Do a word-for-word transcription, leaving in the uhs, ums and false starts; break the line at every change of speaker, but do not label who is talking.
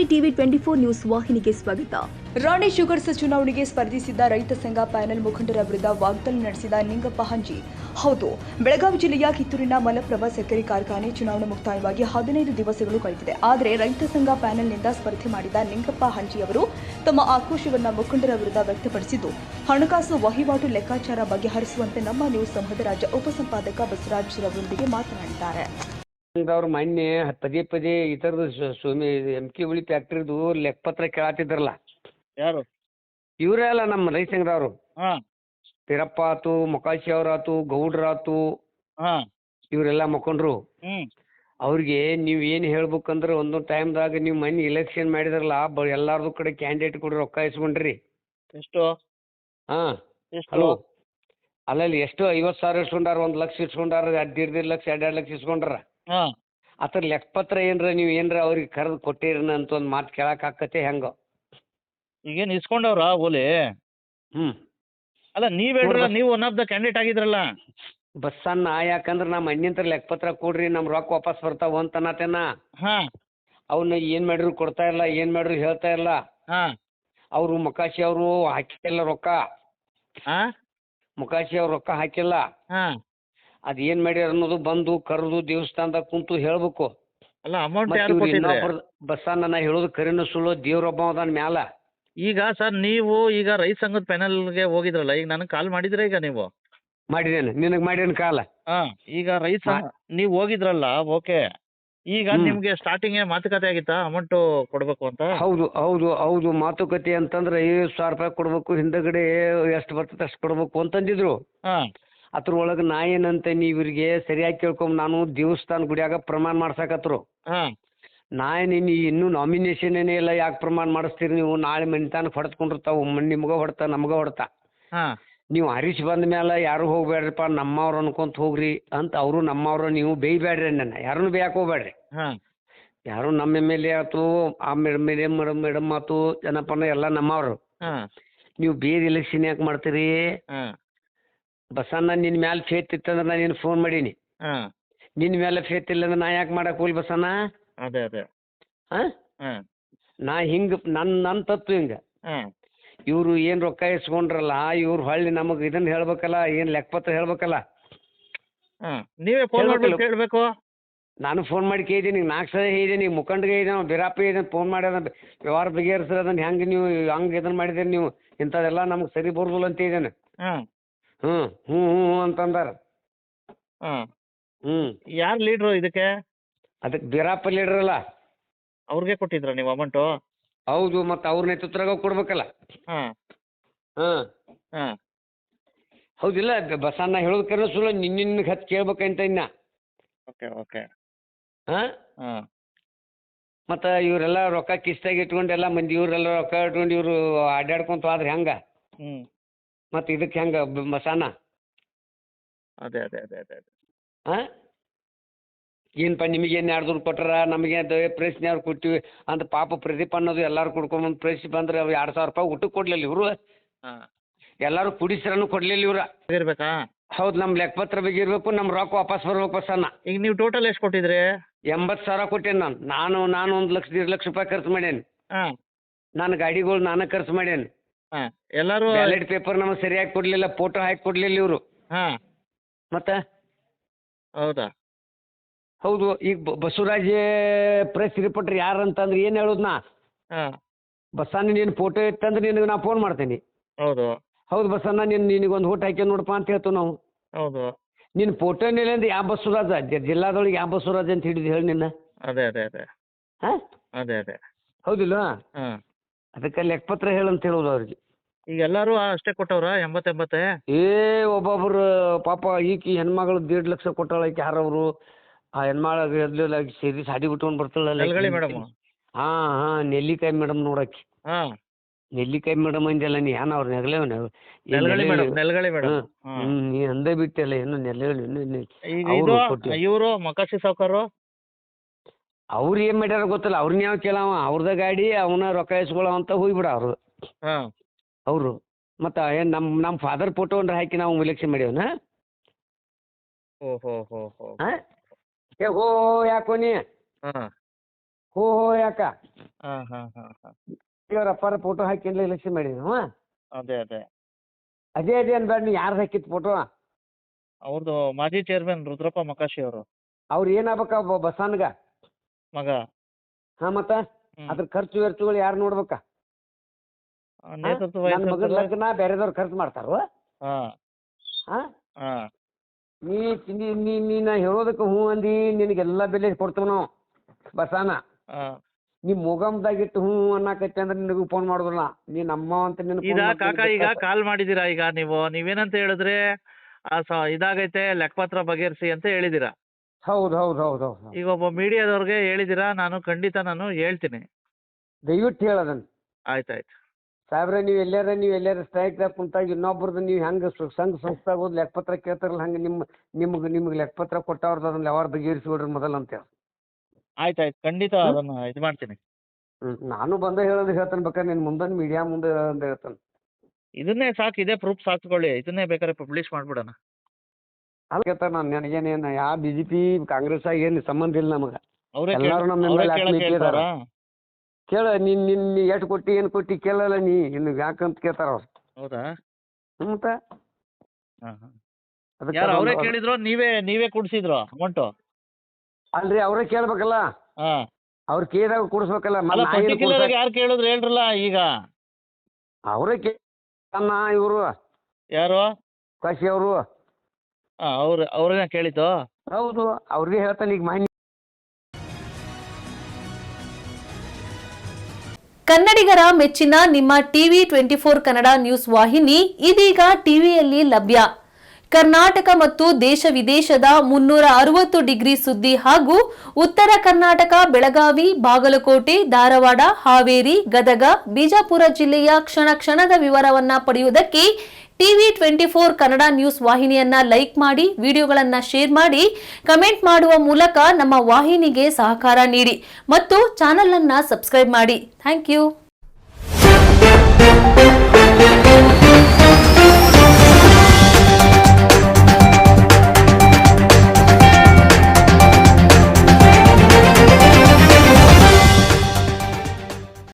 TV twenty four news ವಾಹಿನಿಗೆ ಸ್ವಾಗತ.
ರಾಣಿ sugars ಚುನಾವಣೆಗೆ ಸ್ಪರ್ಧಿಸಿದ್ದ ರೈತ ಸಂಘ ಪ್ಯಾನೆಲ್ ಮುಖಂಡರ ವಿರುದ್ಧ ವಾಗ್ದಾಳಿ ನಡೆಸಿದ ನಿಂಗಪ್ಪ ಹಂಜಿ. ಹೌದು, ಬೆಳಗಾವಿ ಜಿಲ್ಲೆಯ ಕಿತ್ತೂರಿನ ಮಲಪ್ರಭಾ ಸಕ್ಕರೆ ಕಾರ್ಖಾನೆ ಚುನಾವಣೆ ಮುಕ್ತಾಯವಾಗಿ ಹದಿನೈದು ದಿವಸಗಳು ಕಳೆದಿದೆ. ಆದರೆ ರೈತ ಸಂಘ ಪ್ಯಾನೆಲ್ನಿಂದ ಸ್ಪರ್ಧೆ ಮಾಡಿದ ನಿಂಗಪ್ಪ ಹಂಜಿ ಅವರು ತಮ್ಮ ಆಕ್ರೋಶವನ್ನು ಮುಖಂಡರ ವಿರುದ್ಧ ವ್ಯಕ್ತಪಡಿಸಿದ್ದು, ಹಣಕಾಸು ವಹಿವಾಟು ಲೆಕ್ಕಾಚಾರ ಬಗೆಹರಿಸುವಂತೆ ನಮ್ಮ ನ್ಯೂಸ್ ಸಂಘದ ರಾಜ್ಯ ಉಪಸಂಪಾದಕ ಬಸವರಾಜ್ ಅವರೊಂದಿಗೆ ಮಾತನಾಡಿದ್ದಾರೆ.
ಅವ್ರು ಮೊನ್ನೆ ಪದೇ ಪದೇ ಈ ಥರದ್ದು ಸ್ವಾಮಿ ಎಮ್ ಕೆ ಹುಳಿ ಫ್ಯಾಕ್ಟ್ರಿದು ಲೆಕ್ಕಪತ್ರ ಕೇಳತ್ತಿದ್ರಲ್ಲ.
ಯಾರು?
ಇವರೇ ಅಲ್ಲ ನಮ್ಮ ರೈತ ಸಂಘದವರು.
ಹಾಂ
ಪಿರಪ್ಪ ಆತು, ಮೊಕಾಶಿ ಅವ್ರಾತು, ಗೌಡ್ರಾತು,
ಹಾಂ
ಇವರೆಲ್ಲ ಮುಖಂಡ್ರು.
ಹ್ಞೂ
ಅವ್ರಿಗೆ ನೀವು ಏನು ಹೇಳ್ಬೇಕಂದ್ರೆ ಒಂದೊಂದು ಟೈಮ್ದಾಗ ನೀವು ಮೊನ್ನೆ ಇಲೆಕ್ಷನ್ ಮಾಡಿದ್ರಲ್ಲ, ಬ ಎಲ್ಲಾರ್ದು ಕಡೆ ಕ್ಯಾಂಡಿಡೇಟ್ ಕೂಡ ರೊಕ್ಕ ಇಸ್ಕೊಂಡ್ರಿ.
ಎಷ್ಟು?
ಹಾಂ
ಎಷ್ಟು?
ಹಲೋ, ಅಲ್ಲಲ್ಲಿ ಎಷ್ಟು ಐವತ್ತು ಸಾವಿರ ಇಸ್ಕೊಂಡಾರ, ಒಂದು ಲಕ್ಷ ಇಸ್ಕೊಂಡಾರ, ಎರಡು ಎರಡು ಲಕ್ಷ ಎರಡು ಎರಡು ಲಕ್ಷ ಇಸ್ಕೊಂಡ್ರ.
ಹಾಂ
ಆ ಥರ ಲೆಕ್ಕಪತ್ರ ಏನರ ನೀವು ಏನರ ಅವ್ರಿಗೆ ಕರೆದು ಕೊಟ್ಟಿರನ ಅಂತ ಒಂದು ಮಾತು ಕೇಳಕ್ಕೆ ಆಕತ್ತೆ ಹೆಂಗೆ?
ಈಗೇನು ಇಸ್ಕೊಂಡವ್ರಾ ಓಲಿ?
ಹ್ಞೂ
ಅಲ್ಲ, ನೀವು ಹೇಳ್ರಲ್ಲ, ನೀವು ಒನ್ ಆಫ್ ದ ಕ್ಯಾಂಡಿಡೇಟ್ ಆಗಿದ್ರಲ್ಲ.
ಬಸ್ಸನ್ನ ಯಾಕಂದ್ರೆ ನಮ್ಮ ಅಣ್ಣಿಂತ್ರ ಲೆಕ್ಕಪತ್ರ ಕೊಡ್ರಿ, ನಮ್ಮ ರೊಕ್ಕ ವಾಪಸ್ ಬರ್ತಾವ ಅಂತ ಅನ್ನತೇನ.
ಹಾಂ
ಅವನ್ನ ಏನು ಮಾಡ್ರು ಕೊಡ್ತಾ ಇಲ್ಲ, ಏನು ಮಾಡ್ರು ಹೇಳ್ತಾ ಇಲ್ಲ.
ಹಾಂ
ಅವರು ಮೊಕಾಶಿ ಅವರು ಹಾಕಿಲ್ಲ ರೊಕ್ಕ.
ಹಾಂ
ಮೊಕಾಶಿ ಅವ್ರು ರೊಕ್ಕ ಹಾಕಿಲ್ಲ.
ಹಾಂ
ಅದು ಏನು ಮಾಡ್ಯಾರ ಅನ್ನೋದು ಬಂದು ಕರೆದು ದೇವಸ್ಥಾನದಾಗ ಕುಂತು ಹೇಳ್ಬೇಕು.
ಅಲ್ಲ, ಅಮೌಂಟ್
ಮತ್ತೆ
ಯಾರು
ಇವ್ರು
ಕೊಟ್ಟಿದ್ರೆ?
ಇನ್ನೊಬ್ರು ಬಸ್ಸನ್ನ ನಾ ಹೇಳೋದು ಕರಿನ ಸುಳ್ಳು, ದೇವ್ರೊಬ್ಬ ಅದಾನ ಮ್ಯಾಲ.
ಈಗ ಸರ್, ನೀವು ಈಗ ರೈತ ಸಂಘದ ಪ್ಯಾನಲ್ಗೆ ಹೋಗಿದ್ರಲ್ಲ, ಈಗ ನನಗೆ ಕಾಲ್ ಮಾಡಿದ್ರೆ ಈಗ ನೀವು?
ಮಾಡಿದೇನೆ, ನಿನಗೆ ಮಾಡ್ಯಾನ ಕಾಲ.
ಹಾಂ, ಈಗ ರೈತ ಸಂಘ ನೀವು ಹೋಗಿದ್ರಲ್ಲ, ಓಕೆ. ಈಗ ನಿಮಗೆ ಸ್ಟಾರ್ಟಿಂಗೇ ಮಾತುಕತೆ ಆಗಿತ್ತಾ ಅಮೌಂಟು ಕೊಡಬೇಕು ಅಂತ?
ಹೌದು ಹೌದು ಹೌದು ಮಾತುಕತೆ ಅಂತಂದ್ರೆ ಐವತ್ತು ಸಾವಿರ ರೂಪಾಯಿ ಕೊಡ್ಬೇಕು, ಹಿಂದಗಡೆ ಎಷ್ಟು ಬರ್ತದೆ ಅಷ್ಟು ಕೊಡ್ಬೇಕು ಅಂತಂದಿದ್ರು.
ಹಾಂ
ಅದ್ರೊಳಗೆ ನಾ ಏನಂತ ನೀವು ಇವ್ರಿಗೆ ಸರಿಯಾಗಿ ಕೇಳ್ಕೊಂಬ, ನಾನು ದೇವಸ್ಥಾನ ಗುಡಿಯಾಗ ಪ್ರಮಾಣ ಮಾಡ್ಸಕತ್ರು.
ಹಾಂ
ನಾ ನೀನು ಇನ್ನೂ ನಾಮಿನೇಷನ್ ಏನೇ ಇಲ್ಲ, ಯಾಕೆ ಪ್ರಮಾಣ ಮಾಡಿಸ್ತೀರಿ ನೀವು? ನಾಳೆ ಮನಿತಾನಕ್ಕೆ ಹೊಡೆದ್ಕೊಂಡಿರ್ತಾವೆ, ನಿಮ್ಗೆ ಹೊಡ್ತಾ ನಮ್ಗೆ ಹೊಡ್ತಾ.
ಹಾಂ
ನೀವು ಹರೀಶ್ ಬಂದ ಮೇಲೆ ಯಾರು ಹೋಗ್ಬೇಡ್ರಿಪ್ಪ, ನಮ್ಮವ್ರು ಅನ್ಕೊಂತ ಹೋಗ್ರಿ ಅಂತ. ಅವರು ನಮ್ಮವ್ರು, ನೀವು ಬೇಯ್ಬೇಡ್ರಿ, ನನ್ನ ಯಾರನ್ನು ಬೇಯಕ್ಕೆ ಹೋಗ್ಬೇಡ್ರಿ.
ಹಾಂ
ಯಾರು ನಮ್ಮ ಎಮ್ ಎಲ್ ಎ ಆಯ್ತು, ಆ ಮೇಡಮ್ ಮೇಡಮ್ ಮೇಡಮ್ ಮೇಡಮ್ ಆಯ್ತು, ಜನಪನ ಎಲ್ಲ ನಮ್ಮವ್ರು.
ಹಾಂ
ನೀವು ಬೇರೆ ಎಲೆಕ್ಷನ್ ಯಾಕೆ ಮಾಡ್ತೀರಿ?
ಹಾಂ
ಬಸಣ್ಣ ನಿನ್ನ ಮ್ಯಾಲೆ ಫೇತ್ ಇತ್ತಂದ್ರೆ ನಾನು ನಿನ್ನ ಫೋನ್ ಮಾಡೀನಿ.
ಹಾಂ
ನಿನ್ನ ಮೇಲೆ ಫೇತ್ ಇಲ್ಲ ಅಂದ್ರೆ ನಾ ಯಾಕೆ ಮಾಡಕ್ಕೆ ಹೋಗ್ಲಿ ಬಸಣ್ಣ?
ಅದೇ ಅದೇ
ಹಾಂ
ಹಾಂ
ನಾ ಹಿಂಗೆ ನನ್ನ ನನ್ನ ತತ್ವ ಹಿಂಗೆ.
ಹಾಂ
ಇವರು ಏನು ರೊಕ್ಕ ಇಸ್ಕೊಂಡ್ರಲ್ಲ, ಇವ್ರು ಹೊಳ್ಳಿ ನಮಗೆ ಇದನ್ನು ಹೇಳ್ಬೇಕಲ್ಲ, ಏನು ಲೆಕ್ಕಪತ್ರ ಹೇಳ್ಬೇಕಲ್ಲ.
ಹಾಂ ನೀವೇ ಫೋನ್ ಮಾಡ್ಬೇಕು, ಹೇಳಬೇಕು.
ನಾನು ಫೋನ್ ಮಾಡಿ ಕೇಳಿದ್ದೀನಿ, ನಾಲ್ಕು ಸಲ ಹೇಳಿದ್ದೀನಿ, ಮುಖಂಡ್ಗೆ ಹೇಳಿದ್ದೀನಿ, ಬಿರಾಪ ಹೇಳಿದ್ದೀನಿ, ಫೋನ್ ಮಾಡಿ ಅದನ್ನು ವ್ಯವಹಾರ ಬಗೆಹರಿಸ್ರಿ, ಅದನ್ನು ಹೆಂಗೆ ನೀವು ಹಂಗೆ ಇದನ್ನು ಮಾಡಿದ್ದೀರಿ ನೀವು, ಇಂಥದ್ದೆಲ್ಲ ನಮ್ಗೆ ಸರಿ ಬರೋದಿಲ್ಲ ಅಂತ ಹೇಳಿದ್ದೇನೆ.
ಹಾಂ
ಹ್ಞೂ ಹ್ಞೂ ಹ್ಞೂ ಹ್ಞೂ ಅಂತಂದಾರ.
ಹಾಂ
ಹ್ಞೂ
ಯಾರು ಲೀಡ್ರು ಇದಕ್ಕೆ?
ಅದಕ್ಕೆ ಬಿರಾಪ ಲೀಡ್ರಲ್ಲ.
ಅವ್ರಿಗೆ ಕೊಟ್ಟಿದ್ರ ನೀವು ಅಮೌಂಟು?
ಹೌದು, ಮತ್ತು ಅವ್ರ ನೇತೃತ್ವದಾಗ ಕೊಡ್ಬೇಕಲ್ಲ.
ಹಾಂ
ಹಾಂ
ಹಾಂ
ಹೌದಿಲ್ಲ, ಬಸಣ್ಣ ಹೇಳೋದು ಕರೆ ಸುಳ್ಳು, ನಿನ್ನ ಹತ್ತು ಕೇಳ್ಬೇಕಂತ ಇನ್ನ.
ಓಕೆ ಓಕೆ
ಹಾಂ
ಹಾಂ
ಮತ್ತು ಇವರೆಲ್ಲ ರೊಕ್ಕ ಕಿಸ್ತಾಗ ಇಟ್ಕೊಂಡು ಎಲ್ಲ ಮಂದಿ ಇವರೆಲ್ಲ ರೊಕ್ಕ ಇಟ್ಕೊಂಡು ಇವರು ಅಡ್ಡಾಡ್ಕೊಂತ ಹೋದ್ರೆ ಹೆಂಗೆ?
ಹ್ಞೂ
ಮತ್ತು ಇದಕ್ಕೆ ಹೆಂಗೆ ಬಸಣ್ಣ?
ಅದೇ ಅದೇ ಅದೇ ಅದೇ ಅದೇ
ಹಾಂ ಏನಪ್ಪ ನಿಮಗೇನು ಎರಡು ದುಡ್ಡು ಕೊಟ್ಟಾರ, ನಮಗೆ ಅದು ಪ್ರಶ್ನೆಯವ್ರು ಕೊಟ್ಟಿವಿ ಅಂತ. ಪಾಪ ಪ್ರದೀಪ್ ಅನ್ನೋದು ಎಲ್ಲರೂ ಕುಡ್ಕೊಂಬಂದು ಪ್ರಶ್ನೆ ಬಂದ್ರೆ ಅವು ಎರಡು ಸಾವಿರ ರೂಪಾಯಿ ಊಟಕ್ಕೆ ಕೊಡಲಿಲ್ಲ ಇವರು.
ಹಾಂ
ಎಲ್ಲರೂ ಕುಡಿಸ್ರನು ಕೊಡಲಿಲ್ಲ ಇವ್ರು.
ಇರ್ಬೇಕಾ?
ಹೌದು, ನಮ್ಮ ಲೆಕ್ಕಪತ್ರ ಬಗ್ಗೆ ಇರಬೇಕು, ನಮ್ಮ ರೊಕ್ಕ ವಾಪಸ್ ಬರ್ಬೇಕು ಬಸಣ್ಣ.
ಈಗ ನೀವು ಟೋಟಲ್ ಎಷ್ಟು ಕೊಟ್ಟಿದ್ರಿ?
ಎಂಬತ್ತು ಸಾವಿರ ಕೊಟ್ಟೇನೆ ನಾನು. ನಾನು ನಾನು ಒಂದು ಲಕ್ಷ ಎರಡು ಲಕ್ಷ ರೂಪಾಯಿ ಖರ್ಚು ಮಾಡೇನಿ.
ಹಾಂ
ನಾನು ಗಾಡಿಗಳು ನಾನೇ ಖರ್ಚು ಮಾಡೇನಿ.
ಹಾಂ ಎಲ್ಲರೂ
ಬ್ಯಾಲೆಟ್ ಪೇಪರ್ ನಮಗೆ ಸರಿಯಾಗಿ ಕೊಡಲಿಲ್ಲ, ಫೋಟೋ ಹಾಕಿ ಕೊಡಲಿಲ್ಲ ಇವರು.
ಹಾಂ
ಮತ್ತೆ
ಹೌದಾ?
ಹೌದು, ಈಗ ಬ- ಬಸವರಾಜ್ ಪ್ರೆಸ್ ರಿಪೋರ್ಟರ್ ಯಾರು ಅಂತಂದ್ರೆ ಏನು ಹೇಳೋದು ನಾ?
ಹಾಂ
ಬಸ್ಸಣ್ಣ ನೀನು ಫೋಟೋ ಇತ್ತಂದ್ರೆ ನಿನಗೆ ನಾ ಫೋನ್ ಮಾಡ್ತೀನಿ.
ಹೌದು
ಹೌದು ಬಸ್ಸಣ್ಣ, ನೀನು ನಿನಗೊಂದು ಓಟ್ ಹಾಕಿ ನೋಡಪ್ಪ ಅಂತ ಹೇಳ್ತೀವಿ ನಾವು.
ಹೌದು
ನಿನ್ನ ಫೋಟೋನಿಲ್ಲ ಅಂದ್ರೆ ಯಾವ ಬಸವರಾಜ ಜ- ಜಿಲ್ಲಾದೊಳಗೆ ಯಾವ ಬಸವರಾಜ್ ಅಂತ ಹಿಡಿದು ಹೇಳಿ ನಿನ್ನ.
ಅದೇ ಅದೇ ಅದೇ
ಹಾಂ
ಅದೇ ಅದೇ
ಹೌದಿಲ್ಲ?
ಹಾಂ
ಅದಕ್ಕೆ ಲೆಕ್ಕಪತ್ರ ಹೇಳಂತ ಹೇಳೋದು ಅವ್ರಿಗೆ.
ಈಗ ಎಲ್ಲರೂ ಅಷ್ಟೇ ಕೊಟ್ಟವ್ರಾ? ಎಂಬತ್ತೆಂಬತ್ತೆ?
ಏ ಒಬ್ಬೊಬ್ರು ಪಾಪ ಈಕಿ ಹೆಣ್ಮಗಳು ದೇಡ್ ಲಕ್ಷ ಕೊಟ್ಟಾಳ, ಈಕಿ ಯಾರವರು ಆ ಹೆಣ್ಮಳ ಎದ್ಲಿಲ್ಲ, ಸೇರಿ ಸಾಡಿ ಬಿಟ್ಕೊಂಡು ಬರ್ತಾಳಲ್ಲ
ನೆಲ್ಗಳಿ ಮೇಡಮ್?
ಹಾಂ ಹಾಂ ನೆಲ್ಲಿಕಾಯಿ ಮೇಡಮ್ ನೋಡಕ್ಕೆ.
ಹಾಂ
ನೆಲ್ಲಿಕಾಯಿ ಮೇಡಮ್ ಅಂದಲ್ಲ ನೀ, ಏನ ಅವ್ರು ನೆಗಲೇವ್
ನೆಲ್ಗಳಿ ಮೇಡಮ್, ನೆಲ್ಗಳಿ ಮೇಡಮ್.
ಹ್ಞೂ ನೀ ಅಂದೇ ಬಿಟ್ಟಲ್ಲ ಏನು ನೆಲೆಗಳು
ಈಗ
ಅವರು
ಇದು
ಕೊಟ್ಟು
ಇವರು ಮೊಕಾಶಿ ಸಾವ್ಕಾರು
ಅವ್ರು ಏನು ಮಾಡ್ಯಾರ ಗೊತ್ತಿಲ್ಲ, ಅವ್ರನ್ನ ಯಾವ ಕೇಳವ, ಅವ್ರದ ಗಾಡಿ ಅವನ ರೊಕ್ಕ ಇಸ್ಕೊಳ್ಳೋ ಅಂತ ಹೋಗ್ಬಿಡ ಅವರು.
ಹಾಂ
ಅವರು ಮತ್ತು ಏನು ನಮ್ಮ ನಮ್ಮ ಫಾದರ್ ಫೋಟೋ ಅಂದ್ರೆ ಹಾಕಿ ನಾವು ಇಲೆಕ್ಷನ್ ಮಾಡ್ಯವನ.
ಓ ಹೋ ಹೋ ಹೋ
ಹಾಂ ಏ ಹೋ ಯಾಕೋ ನೀ
ಹಾಂ
ಹೋ ಹೋ ಯಾಕ
ಹಾ ಹಾ ಹಾ ಹಾ
ಅವ್ರ ಅಪ್ಪಾರ ಫೋಟೋ ಹಾಕಿಲ್ಲ ಎಲೆಕ್ಷನ್ ಮಾಡಿದ್ವಿ.
ಅದೇ ಅದೇ
ಅದೇ ಅದೇ ಅನ್ಬೇಡ ನೀ ಯಾರ್ದು ಹಾಕಿತ್ತು ಫೋಟೋ.
ಅವ್ರದ್ದು ಮಾಜಿ ಚೇರ್ಮನ್ ರುದ್ರಪ್ಪ ಮಕಾಶಿ ಅವರು
ಅವ್ರು ಏನಾಗ್ಬೇಕ ಬಸವನ್ಗ
ಮಗ.
ಹಾ ಮತ್ತ
ಹ್ಮ್.
ಅದ್ರ ಖರ್ಚು ವೆಚ್ಚಗಳು ಯಾರು ನೋಡ್ಬೇಕ?
ಆ, ನೇತೃತ್ವ
ನನ್ನ ಮಗನ
ವಹಿಸಿದ್ರು.
ಲಗ್ನ ಬೇರೆದವ್ರು ಖರ್ಚು ಮಾಡ್ತಾರೋ?
ಹಾ
ಹಾ
ಹಾ
ನೀ ನೀ- ನೀ ನೀನ ಹೇಳೋದಕ್ಕೆ ಹ್ಞೂ ಅಂದಿ, ನಿನಗೆಲ್ಲ ಬೆಲೆ ಕೊಡ್ತೇವೆ ನಾವು ಬಸಾನ.
ಹಾ
ನೀ ಮೊಗಮ್ದಾಗಿಟ್ಟು ಹ್ಞೂ ಅನ್ನಕತ್ತೆ ಅಂದ್ರೆ ನಿನಗೂ ಫೋನ್ ಮಾಡೋದಿಲ್ಲ. ನೀ ನಮ್ಮ ಅಂತ ನಿನ್ನ
ಈಗ ಕಾಕ ಈಗ ಕಾಲ್ ಮಾಡಿದೀರಾ ಈಗ ನೀವು ನೀವೇನಂತ ಹೇಳಿದ್ರೆ ಆ ಸ ಇದಾಗೈತೆ ಲೆಕ್ಕಪತ್ರ ಬಗೆಹರಿಸಿ ಅಂತ ಹೇಳಿದೀರಾ.
ಹೌದು ಹೌದು ಹೌದು ಹೌದು
ಈಗ ಒಬ್ಬ ಮೀಡಿಯಾದವ್ರಿಗೆ ಹೇಳಿದೀರಾ, ನಾನು ಖಂಡಿತ ನಾನು ಹೇಳ್ತೀನಿ.
ದಯವಿಟ್ಟು ಹೇಳದನ್
ಆಯ್ತಾಯ್ತು.
ಸಾಹೇಬ್ರೆ, ನೀವು ಎಲ್ಲಾರ ನೀವು ಎಲ್ಲಾರ ಸ್ಟ್ರೈಕ್ದಾಗ ಕುಂತಾಗ ಇನ್ನೊಬ್ರದ್ದು ನೀವು ಹೆಂಗೆ ಸಂಘ ಸಂಸ್ಥಾಗ ಹೋದ್ ಲೆಕ್ಕಪತ್ರ ಕೇಳ್ತಾರಲ್ಲ ಹಂಗೆ ನಿಮ್ಮ ನಿಮ್ಗೆ ನಿಮ್ಗೆ ಲೆಕ್ಕಪತ್ರ ಕೊಟ್ಟವ್ರದ್ದು ಅದನ್ನ ಯಾವಾಗ ಬಗೆಹರಿಸ್ಬಿಡ್ರಿ ಮೊದಲು ಅಂತೇಳಿ.
ಆಯ್ತಾಯ್ತು, ಖಂಡಿತ ಅದನ್ನ ಇದು ಮಾಡ್ತೀನಿ.
ಹ್ಞೂ ನಾನು ಬಂದ ಹೇಳೋದು ಹೇಳ್ತಾನೆ, ಬೇಕಾದ್ರೆ ನಿನ್ನ ಮುಂದೆ ಮೀಡಿಯಾ ಮುಂದೆ ಅಂತ ಹೇಳ್ತಾನೆ.
ಇದನ್ನೇ ಸಾಕು, ಇದೇ ಪ್ರೂಫ್ ಸಾಕ್ಕೊಳ್ಳಿ, ಇದನ್ನೇ ಬೇಕಾದ್ರೆ ಪಬ್ಲಿಷ್ ಮಾಡ್ಬಿಡೋಣ.
ಅಲ್ಲ ಕೇಳ್ತಾನೆ ನಾನು, ನನಗೇನೇನು ಯಾವ ಬಿ ಜೆ ಪಿ ಕಾಂಗ್ರೆಸ್ ಏನು ಸಂಬಂಧ ಇಲ್ಲ ನಮಗೆ.
ಅವರೇ
ಎಲ್ಲರೂ ನಮ್ಮ
ಅವರೇ
ಮೇಲೆ
ಕೇಳಕ್
ಆತ್ಮೀಯತೆ ಇದಾರ.
ಹೇಳ್ತಾರಾ?
ಕೇಳ ನೀನ್ ನಿನ್ ನೀ ಎಷ್ಟು ಕೊಟ್ಟಿ ಏನು ಕೊಟ್ಟಿ ಕೇಳಲ್ಲ ನೀ, ಇನ್ನು ಯಾಕಂತ ಕೇಳ್ತಾರ ಅವ್ರು.
ಹೌದಾ?
ಹ್ಞೂ ಮತ್ತೆ
ಹಾ ಹಾ
ಅದಕ್ಕೆ
ಯಾರು ಅವರೇ
ಅದೊಂದು-
ಕೇಳಿದ್ರು ನೀವೇ ನೀವೇ ಕೊಡ್ಸಿದ್ರು ಅಮೌಂಟು?
ಅಲ್ರಿ ಅವರೇ ಕೇಳ್ಬೇಕಲ್ಲ,
ಹಾ
ಅವ್ರು ಕೇಳಿದಾಗ ಕೊಡಿಸ್ಬೇಕಲ್ಲ.
ಅಲ್ಲ,
ಮತ್ತೆ ನಾ ಏನು
ಪರ್ಟಿಕ್ಯುಲರ್
ಕೊಡ್ಸ
ಯಾರು ಕೇಳಿದ್ರು ಹೇಳ್ರಲ್ಲ ಈಗ.
ಅವರೇ ಕೇಳ ಇವರು
ಯಾರು?
ಕಾಶಿ ಅವರು.
ಹಾ ಅವ್ರು ಅವ್ರನ್ನ ಕೇಳಿದ್ದು.
ಹೌದು, ಅವ್ರಿಗೆ ಹೇಳ್ತಾನೆ ಈಗ ಮಾನ್ಯ.
ಕನ್ನಡಿಗರ ಮೆಚ್ಚಿನ ನಿಮ್ಮ TV twenty four Kannada news ವಾಹಿನಿ ಇದೀಗ ಟಿವಿಯಲ್ಲಿ ಲಭ್ಯ. ಕರ್ನಾಟಕ ಮತ್ತು ದೇಶ ವಿದೇಶದ ಮುನ್ನೂರ ಅರವತ್ತು ಡಿಗ್ರಿ ಸುದ್ದಿ ಹಾಗೂ ಉತ್ತರ ಕರ್ನಾಟಕ, ಬೆಳಗಾವಿ, ಬಾಗಲಕೋಟೆ, ಧಾರವಾಡ, ಹಾವೇರಿ, ಗದಗ, ಬಿಜಾಪುರ ಜಿಲ್ಲೆಯ ಕ್ಷಣ ಕ್ಷಣದ ವಿವರವನ್ನ ಪಡೆಯುವುದಕ್ಕೆ TV twenty four Kannada news ವಾಹಿನಿಯನ್ನ ಲೈಕ್ ಮಾಡಿ, ವಿಡಿಯೋಗಳನ್ನ ಶೇರ್ ಮಾಡಿ, ಕಮೆಂಟ್ ಮಾಡುವ ಮೂಲಕ ನಮ್ಮ ವಾಹಿನಿಗೆ ಸಹಕಾರ ನೀಡಿ ಮತ್ತು ಚಾನೆಲ್ ಅನ್ನ ಸಬ್ಸ್ಕ್ರೈಬ್ ಮಾಡಿ. Thank you.